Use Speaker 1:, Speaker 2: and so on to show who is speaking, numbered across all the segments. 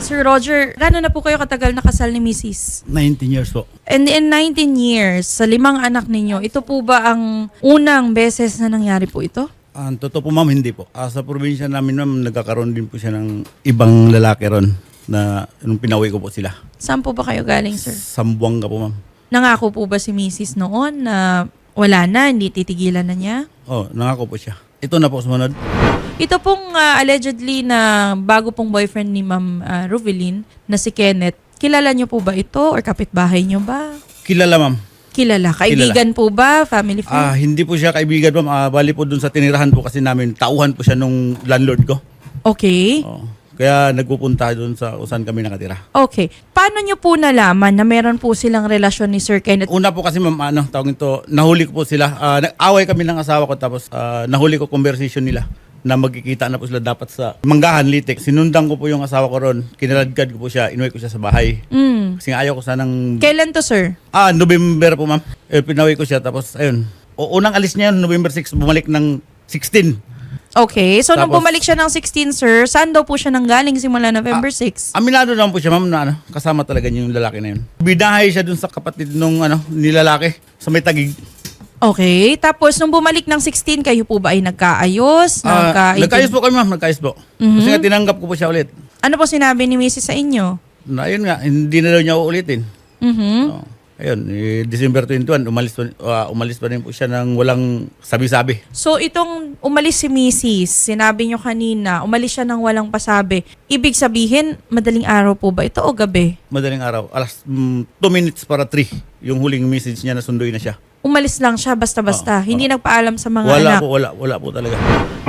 Speaker 1: Sir Roger, gaano na po kayo katagal nakasal ni Mrs.?
Speaker 2: 19 years po.
Speaker 1: And in 19 years, sa 5 anak ninyo, ito po ba ang unang beses na nangyari po ito?
Speaker 2: Ang totoo po ma'am, hindi po. Sa probinsya namin ma'am, nagkakaroon din po siya ng ibang lalaki ron na nung pinauwi ko po sila.
Speaker 1: Saan po ba kayo galing, sir?
Speaker 2: Sambuanga po ma'am.
Speaker 1: Nangako po ba si Mrs. noon na wala na, hindi titigilan na niya?
Speaker 2: Nangako po siya. Ito na po sumunod.
Speaker 1: Ito pong allegedly na bago pong boyfriend ni Ma'am Rovelyn na si Kenneth, kilala niyo po ba ito or kapitbahay niyo ba?
Speaker 2: Kilala ma'am.
Speaker 1: Kilala. Kaibigan po ba? Family friend?
Speaker 2: Hindi po siya kaibigan ma'am. Bali po dun sa tinirahan po kasi namin, tauhan po siya nung landlord ko.
Speaker 1: Okay.
Speaker 2: Kaya nagpupunta dun sa saan kami nakatira.
Speaker 1: Okay. Paano niyo po nalaman na meron po silang relasyon ni Sir Kenneth?
Speaker 2: Una po kasi ma'am, tawag ito, nahuli ko po sila. Nag-away kami ng asawa ko tapos nahuli ko conversation nila na magkikita na po sila dapat sa Manggahan, Litek. Sinundan ko po yung asawa ko ron. Kinaladkad ko po siya. Inuwi ko siya sa bahay. Kasi ayaw ko sanang...
Speaker 1: Kailan to, sir?
Speaker 2: November po, ma'am. Pinawi ko siya. Tapos, ayun. Unang alis niya yun, November 6, bumalik ng 16.
Speaker 1: Okay. So, nung
Speaker 2: Tapos-
Speaker 1: bumalik siya ng 16, sir, saan daw po siya nanggaling simula November 6?
Speaker 2: Aminado naman po siya, ma'am, na kasama talaga niya yung lalaki na yun. Bidahay siya dun sa kapatid nung nilalaki sa may Tagig.
Speaker 1: Okay. Tapos, nung bumalik ng 16, kayo po ba ay nagkaayos?
Speaker 2: Nagkaayos po kami, ma'am. Nagkaayos po. Kasi nga tinanggap ko po siya ulit.
Speaker 1: Ano po sinabi ni Mrs. sa inyo?
Speaker 2: Na ayun nga, hindi na daw niya uulitin. Ayun, December 21, umalis pa rin po siya ng walang sabi-sabi.
Speaker 1: So, itong umalis si Mrs., sinabi nyo kanina, umalis siya ng walang pasabi. Ibig sabihin, madaling araw po ba ito o gabi?
Speaker 2: Madaling araw, alas 2 minutes para 3, yung huling message niya na sunduin na siya.
Speaker 1: Umalis lang siya basta-basta. Hindi nagpaalam sa mga anak.
Speaker 2: Wala po talaga.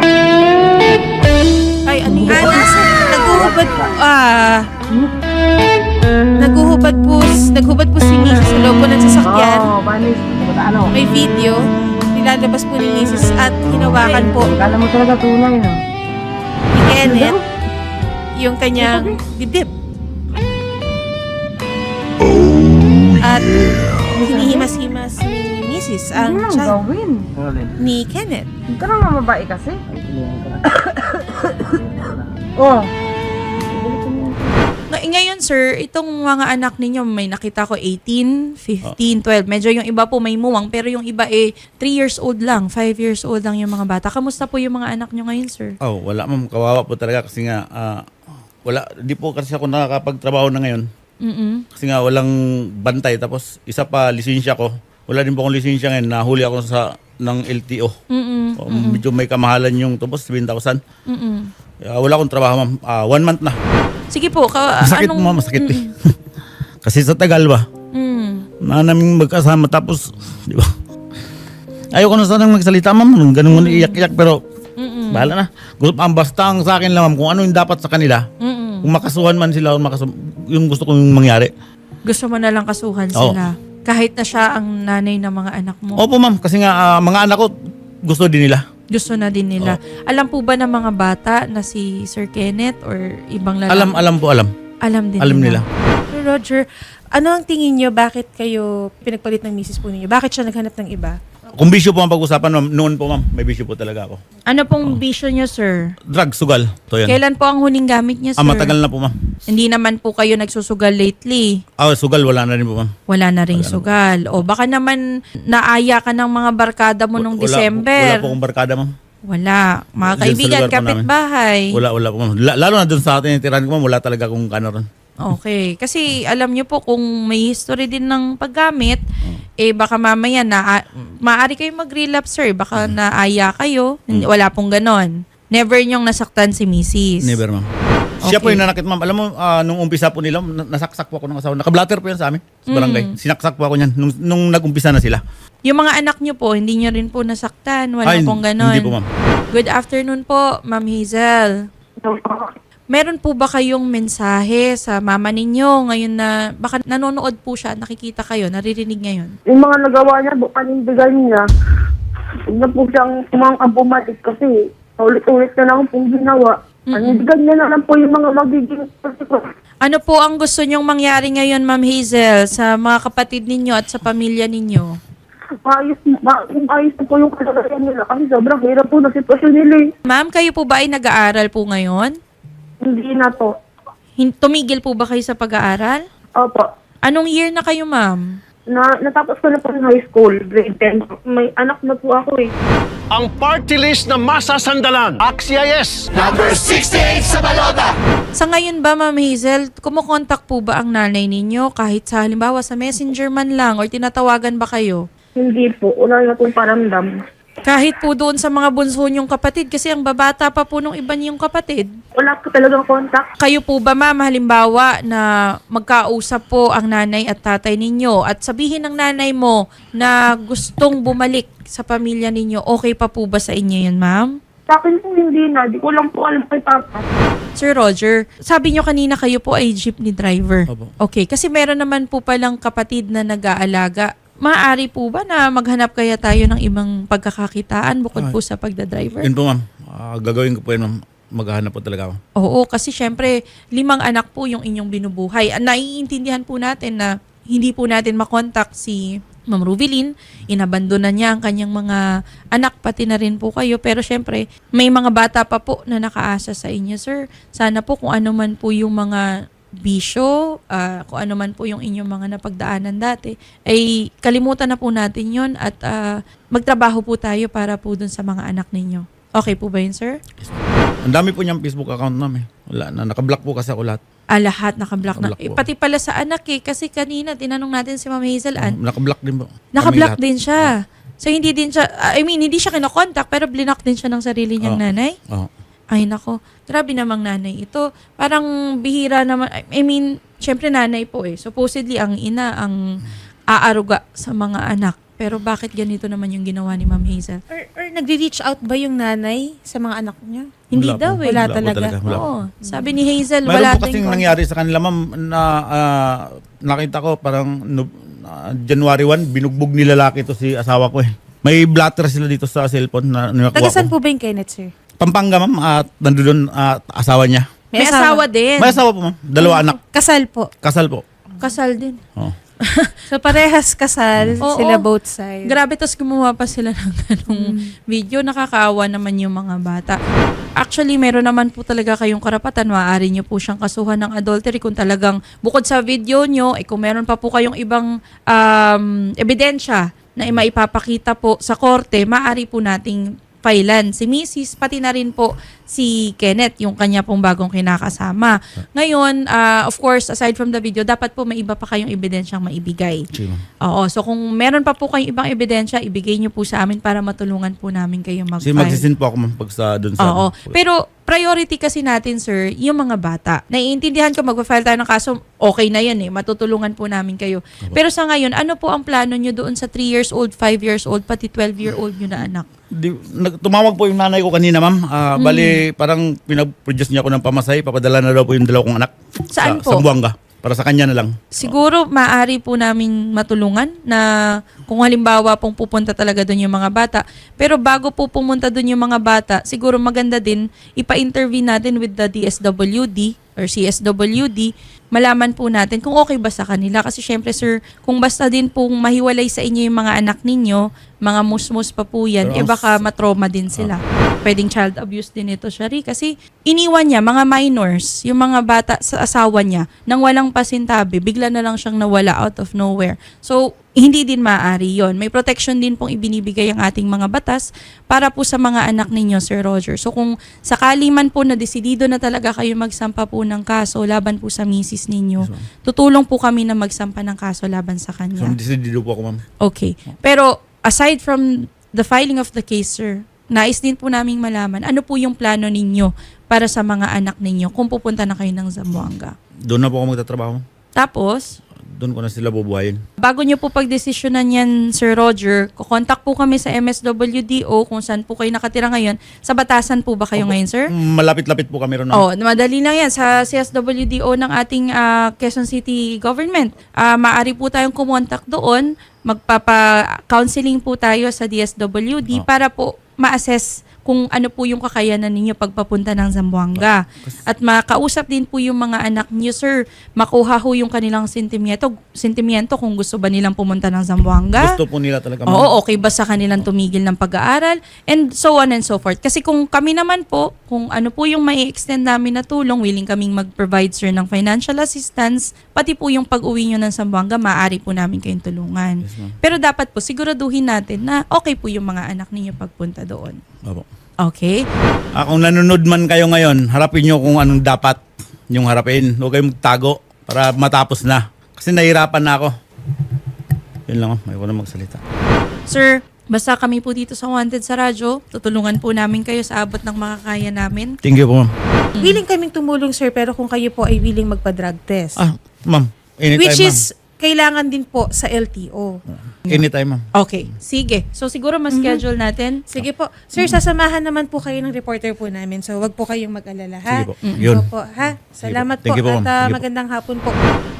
Speaker 1: Ay, ano yun? Naguhubad po. Naguhubad po si Mrs. sa loob po ng sasakyan.
Speaker 3: Ano?
Speaker 1: May video. Nilalabas po ni Mrs. at hinawakan po
Speaker 3: Kala mo talaga tunay, no?
Speaker 1: ni Kenneth yung kanyang dibdib. At hinihimas-himas ni Mrs. ang
Speaker 3: Ano nang
Speaker 1: child
Speaker 3: gawin?
Speaker 1: ni Kenneth.
Speaker 3: Hindi ka naman mabae kasi. Oh.
Speaker 1: Ngayon, sir, itong mga anak ninyo, may nakita ko 18, 15, 12. Medyo yung iba po may muwang, pero yung iba 3 years old lang, 5 years old lang yung mga bata. Kamusta po yung mga anak nyo ngayon, sir?
Speaker 2: Wala ma'am, kawawa po talaga kasi nga, di po kasi ako nakakapagtrabaho na ngayon. Kasi nga walang bantay, tapos isa pa, lisensya ko. Wala din po akong lisensya ngayon, nahuli ako ng LTO. Medyo may kamahalan yung tubos, 7,000. Wala akong trabaho ma'am, 1 month na.
Speaker 1: Sige po.
Speaker 2: Masakit mo, masakit eh. Kasi sa tagal ba? Na namin magkasama tapos, di ba? Ayoko na sanang magsalita ma'am, ganun mo iyak-iyak pero bahala na. Basta ang sa akin lang ma'am, kung ano yung dapat sa kanila, kung makasuhan man sila, yung gusto kong mangyari.
Speaker 1: Gusto mo na lang kasuhan sila. Kahit na siya ang nanay ng mga anak mo.
Speaker 2: Opo ma'am, kasi nga mga anak ko gusto din nila.
Speaker 1: Gusto na din nila. Alam po ba ng mga bata na si Sir Kenneth or ibang lalaki?
Speaker 2: Alam po.
Speaker 1: Alam din
Speaker 2: Alam nila.
Speaker 4: Sir Roger, ano ang tingin niyo bakit kayo pinagpalit ng misis po ninyo? Bakit siya naghanap ng iba?
Speaker 2: Kung bisyo po ang pag-usapan ma'am, noon po ma'am, may bisyo po talaga ako.
Speaker 1: Ano pong bisyo niyo, sir?
Speaker 2: Drug, sugal. To yan.
Speaker 1: Kailan po ang huling gamit niya, sir?
Speaker 2: Matagal na po ma'am.
Speaker 1: Hindi naman po kayo nagsusugal lately.
Speaker 2: Sugal, wala na rin po ma'am.
Speaker 1: Wala na ring sugal. O baka naman naaya ka ng mga barkada mo nung December.
Speaker 2: Wala po akong barkada ma'am.
Speaker 1: Wala. Mga
Speaker 2: Diyan
Speaker 1: kaibigan,
Speaker 2: sa lugar po
Speaker 1: kapitbahay.
Speaker 2: Wala po ma'am. Lalo na dun sa atin yung tirahan ko ma'am, wala talaga akong ron.
Speaker 1: Okay. Kasi alam niyo po kung may history din ng paggamit, baka mamaya maaari kayo mag-relapse, sir. Baka naaya kayo. Wala pong ganon. Never niyong nasaktan si Mrs.
Speaker 2: Never ma'am. Siya po yung nanakit ma'am. Alam mo, nung umpisa po nila, nasaksak po ako ng asawa. Naka-blatter po yan sa amin, sa barangay. Sinaksak po ako niyan nung nag-umpisa na sila.
Speaker 1: Yung mga anak niyo po, hindi niyo rin po nasaktan. Wala pong ganon.
Speaker 2: Hindi po ma'am.
Speaker 1: Good afternoon po, Ma'am Hazel. Meron po ba kayong mensahe sa mama ninyo ngayon na baka nanonood po siya, nakikita kayo, naririnig ngayon?
Speaker 3: Yung mga nagawa niya, panindigan niya. Huwag na po siyang bumalik kasi ulit-ulit na lang pong ginawa. Panindigan niya na lang po yung mga magiging
Speaker 1: Ano po ang gusto nyong mangyari ngayon, Ma'am Hazel, sa mga kapatid ninyo at sa pamilya ninyo?
Speaker 3: ayos na po yung kalagayan nila kasi sobrang hirap po na sitwasyon nila eh.
Speaker 1: Ma'am, kayo po ba ay nag-aaral po ngayon?
Speaker 3: Hindi na po.
Speaker 1: Tumigil po ba kayo sa pag-aaral?
Speaker 3: Opo.
Speaker 1: Anong year na kayo, ma'am?
Speaker 3: Natapos ko na po ng high school, grade 10. May anak na po ako eh.
Speaker 5: Ang party list na masasandalan. AXIS!
Speaker 1: Sa ngayon ba, Ma'am Hazel, kumukontak po ba ang nanay ninyo kahit sa halimbawa sa messenger man lang or tinatawagan ba kayo?
Speaker 3: Hindi po. Wala na pong paramdam.
Speaker 1: Kahit po doon sa mga bunso niyong kapatid kasi ang babata pa po nung iba niyong kapatid.
Speaker 3: Wala ko talagang contact.
Speaker 1: Kayo po ba, ma'am, halimbawa na magkausap po ang nanay at tatay ninyo at sabihin ng nanay mo na gustong bumalik sa pamilya ninyo, okay pa po ba sa inyo yun, ma'am?
Speaker 3: Sa akin po hindi na. Di ko lang po alam kay Papa.
Speaker 1: Sir Roger, sabi nyo kanina kayo po ay jeepney driver.
Speaker 2: Opo.
Speaker 1: Okay, kasi meron naman po palang kapatid na nag-aalaga. Maaari po ba na maghanap kaya tayo ng ibang pagkakakitaan bukod po sa pagdadriver?
Speaker 2: Yun po, ma'am. Gagawin ko po yun, ma'am. Maghahanap po talaga ako.
Speaker 1: Oo, kasi syempre, 5 anak po yung inyong binubuhay. Naiintindihan po natin na hindi po natin makontak si Ma'am Rubilin. Inabandona niya ang kanyang mga anak, pati na rin po kayo. Pero syempre, may mga bata pa po na nakaasa sa inyo, sir. Sana po kung ano man po yung mga bisyo, kung ano man po yung inyong mga napagdaanan dati, ay kalimutan na po natin yun at magtrabaho po tayo para po dun sa mga anak ninyo. Okay po ba yun, sir?
Speaker 2: Ang dami po niyang Facebook account namin. Wala na. Nakablock po kasi ako lahat.
Speaker 1: Lahat nakablock na.
Speaker 2: Nakablock po.
Speaker 1: Pati pala sa anak kasi kanina tinanong natin si Ma'am Hazel Ann,
Speaker 2: Nakablock din po.
Speaker 1: nakablock
Speaker 2: Kami lahat.
Speaker 1: din siya. So hindi din siya, hindi siya kinokontak pero blinak din siya ng sarili niyang
Speaker 2: Oo.
Speaker 1: nanay.
Speaker 2: Oo.
Speaker 1: Ay nako, grabe namang nanay ito. Parang bihira naman, syempre nanay po eh. Supposedly ang ina ang aaruga sa mga anak. Pero bakit ganito naman yung ginawa ni Ma'am Hazel?
Speaker 4: Or nagre-reach out ba yung nanay sa mga anak niya?
Speaker 1: Hindi
Speaker 2: Wala
Speaker 1: daw
Speaker 2: po.
Speaker 1: eh.
Speaker 4: Wala
Speaker 2: po
Speaker 4: talaga.
Speaker 2: Wala po.
Speaker 1: Oo. Sabi ni Hazel,
Speaker 2: Mayroon
Speaker 1: wala
Speaker 2: po kasing
Speaker 1: tayong
Speaker 2: nangyari sa kanila, ma'am, na nakita ko parang January 1, binugbog ni lalaki to si asawa ko eh. May blatter sila dito sa cellphone na nakuha
Speaker 4: Taga saan
Speaker 2: ko.
Speaker 4: po ba yung Kenneth, sir?
Speaker 2: Pampanga, ma'am, at nandoon asawa niya.
Speaker 1: May asawa din.
Speaker 2: May asawa po, ma'am. 2 anak.
Speaker 4: Kasal po.
Speaker 2: Kasal po.
Speaker 1: Kasal din.
Speaker 2: Oh.
Speaker 4: So parehas kasal,
Speaker 1: Oo.
Speaker 4: sila both sides.
Speaker 1: Grabe, tas gumawa pa sila ng ganong video. Nakakaawa naman yung mga bata. Actually, meron naman po talaga kayong karapatan. Maaari nyo po siyang kasuhan ng adultery kung talagang bukod sa video nyo, kung meron pa po kayong ibang ebidensya na maipapakita po sa korte, maaari po nating filean si Mrs. pati na rin po si Kenneth, yung kanya pong bagong kinakasama. Ngayon, of course, aside from the video, dapat po may iba pa kayong ebidensyang maibigay.
Speaker 2: Sige, ma'am.
Speaker 1: Oo, so kung meron pa po kayong ibang ebidensya, ibigay nyo po sa amin para matulungan po namin kayo
Speaker 2: Kasi
Speaker 1: mag-file.
Speaker 2: magsisin po ako, ma'am, pag sa doon sa...
Speaker 1: Oo. Pero priority kasi natin, sir, yung mga bata. Naiintindihan ko, mag-file tayo ng kaso, okay na yan eh. Matutulungan po namin kayo. Pero sa ngayon, ano po ang plano nyo doon sa 3 years old, 5 years old, pati 12-year-old nyo na anak?
Speaker 2: Tumawag po yung nanay ko kanina, ma'am. Bali, parang pinag-produce niya ako ng pamasay. Papadala na daw po yung 2 kong anak.
Speaker 1: Saan po?
Speaker 2: Sa Buanga. Para sa kanya na lang.
Speaker 1: Siguro maaari po namin matulungan na kung halimbawa pong pupunta talaga doon yung mga bata. Pero bago po pumunta doon yung mga bata, siguro maganda din ipa-interview natin with the DSWD or CSWD, malaman po natin kung okay ba sa kanila. Kasi syempre sir, kung basta din pong mahiwalay sa inyo yung mga anak ninyo, mga musmus pa po yan,
Speaker 2: Pero
Speaker 1: baka matrauma din sila. Pwedeng child abuse din ito, Shari. Kasi iniwan niya, mga minors, yung mga bata sa asawa niya, nang walang pasintabi, bigla na lang siyang nawala out of nowhere. So, hindi din maaari yon. May protection din pong ibinibigay ang ating mga batas para po sa mga anak ninyo, Sir Roger. So, kung sakali man po na desidido na talaga kayo magsampa po ng kaso laban po sa misis ninyo, tutulong po kami na magsampa ng kaso laban sa
Speaker 2: So,
Speaker 1: kanya.
Speaker 2: decidido po ako, ma'am.
Speaker 1: Okay. Pero, aside from the filing of the case, sir, nais din po naming malaman, ano po yung plano ninyo para sa mga anak ninyo kung pupunta na kayo ng Zamboanga?
Speaker 2: Doon na po ako magtatrabaho.
Speaker 1: Tapos,
Speaker 2: Doon ko na sila bubuhayin.
Speaker 1: bago nyo po pagdesisyonan yan, Sir Roger, kukontak po kami sa MSWDO kung saan po kayo nakatira ngayon. Sa Batasan po ba kayo ngayon, sir?
Speaker 2: Malapit-lapit po kami ron, ma'am.
Speaker 1: Oh, madali lang yan sa CSWDO ng ating Quezon City government. Maaari po tayong kumontak doon, magpapa-counseling po tayo sa DSWD para po ma-assess kung ano po yung kakayanan ninyo pagpapunta ng Zamboanga. At makausap din po yung mga anak niyo, sir. Makuha ho yung kanilang sentimiento kung gusto ba nilang pumunta ng Zamboanga.
Speaker 2: Gusto po nila talaga, ma'am.
Speaker 1: Oo, okay ba sa kanilang tumigil ng pag-aaral? And so on and so forth. Kasi kung kami naman po, Kung ano po yung may extend namin na tulong, willing kaming mag-provide, sir, ng financial assistance. Pati po yung pag-uwi nyo ng Zamboanga, maaari po namin kayong tulungan.
Speaker 2: Yes, ma'am.
Speaker 1: Pero dapat po, siguraduhin natin na okay po yung mga anak ninyo pagpunta doon.
Speaker 2: Opo.
Speaker 1: Okay?
Speaker 2: Kung nanonood man kayo ngayon, harapin nyo kung anong dapat yung harapin. Huwag kayong magtago para matapos na. Kasi nahirapan na ako. Yun lang, may na magsalita.
Speaker 1: Sir, basta kami po dito sa Wanted sa radyo, tutulungan po namin kayo sa abot ng makakaya namin.
Speaker 2: Thank you po, ma'am.
Speaker 4: Willing kaming tumulong, sir, pero kung kayo po ay willing magpa-drug test.
Speaker 2: Ma'am. Anytime,
Speaker 4: Which
Speaker 2: ma'am.
Speaker 4: is, kailangan din po sa LTO.
Speaker 2: Anytime, ma'am.
Speaker 1: Okay, sige. So siguro mas-schedule natin.
Speaker 4: Sige po. Sir, sasamahan naman po kayo ng reporter po namin. So, wag po kayong mag-alala, ha?
Speaker 2: Sige po. Yun.
Speaker 4: Opo, ha?
Speaker 2: Sige
Speaker 4: Salamat
Speaker 2: po. Thank you
Speaker 4: po
Speaker 2: po,
Speaker 4: at
Speaker 2: ma'am. Sige po.
Speaker 4: magandang hapon po.